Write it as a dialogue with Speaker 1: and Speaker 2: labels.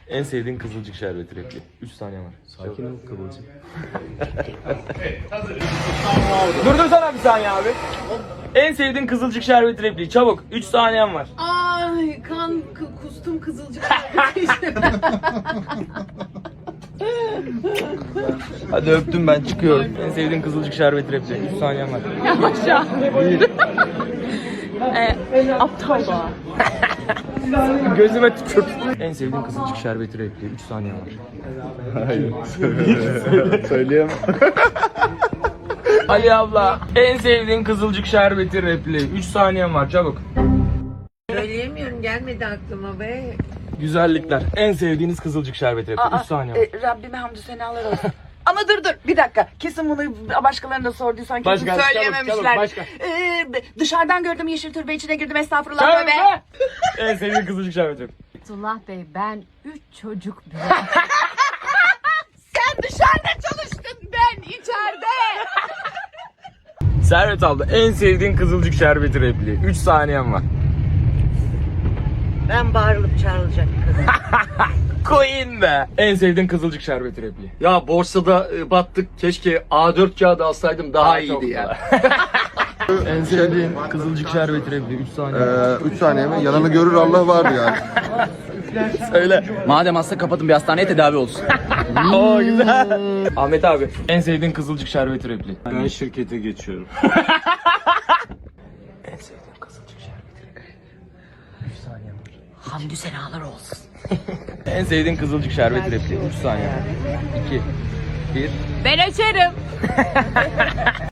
Speaker 1: En sevdiğin kızılcık şerbeti repliği. 3 saniye var.
Speaker 2: Sakin ol Kıvılcım.
Speaker 1: Durdursana bir saniye abi. En sevdiğin kızılcık şerbeti repliği. Çabuk. 3 saniyen var.
Speaker 3: Ay kustum kızılcık.
Speaker 1: Hadi öptüm ben çıkıyorum. En sevdiğin kızılcık şerbeti repliği. 3 saniyen var.
Speaker 3: Aşağı. Aptal da.
Speaker 1: Gözüme tükürt. En sevdiğin kızılcık şerbeti repliği. 3 saniyen var.
Speaker 2: Hayır. Söyleyemem.
Speaker 1: Ali abla. En sevdiğin kızılcık şerbeti repliği. 3 saniyen var çabuk.
Speaker 4: Söyleyemiyorum, gelmedi aklıma be.
Speaker 1: Güzellikler. En sevdiğiniz kızılcık şerbeti repliği. 3 saniye var.
Speaker 3: Rabbime hamdü senalar olsun. Ama dur bir dakika. Kesin bunu başkalarına da sorduysan kesin
Speaker 1: Başka,
Speaker 3: söyleyememişler.
Speaker 1: çabuk, başka.
Speaker 3: Dışarıdan gördüm yeşil türbe içine girdim estağfurullah
Speaker 1: Çabuk
Speaker 3: tövbe.
Speaker 1: be! En sevdiğin kızılcık şerbeti repliği.
Speaker 5: Abdullah Bey ben 3 çocuk
Speaker 3: Sen dışarıda çalıştın ben içeride.
Speaker 1: Servet abla. En sevdiğin kızılcık şerbeti repliği. 3 saniyen var.
Speaker 4: Ben bağırılıp çağrılacak kadın.
Speaker 1: Queen be. En sevdiğin kızılcık şerbeti repliği.
Speaker 2: Ya borsada battık. Keşke A4 kağıdı alsaydım daha iyiydi yani.
Speaker 1: En sevdiğin kızılcık şerbeti repliği. 3 saniye.
Speaker 6: 3 saniye mi? Yalanı görür Allah var yani.
Speaker 1: Söyle.
Speaker 7: Madem hasta kapatın bir hastaneye tedavi olsun.
Speaker 1: Oo güzel. Ahmet abi. En sevdiğin kızılcık şerbeti repliği.
Speaker 2: Ben şirkete geçiyorum.
Speaker 1: En sevdiğin kızılcık şerbeti repliği. 3 saniye var.
Speaker 5: hamdü senalar olsun.
Speaker 1: En sevdiğin kızılcık şerbeti repliği. 3 saniye var. 2 1
Speaker 5: Ben açarım.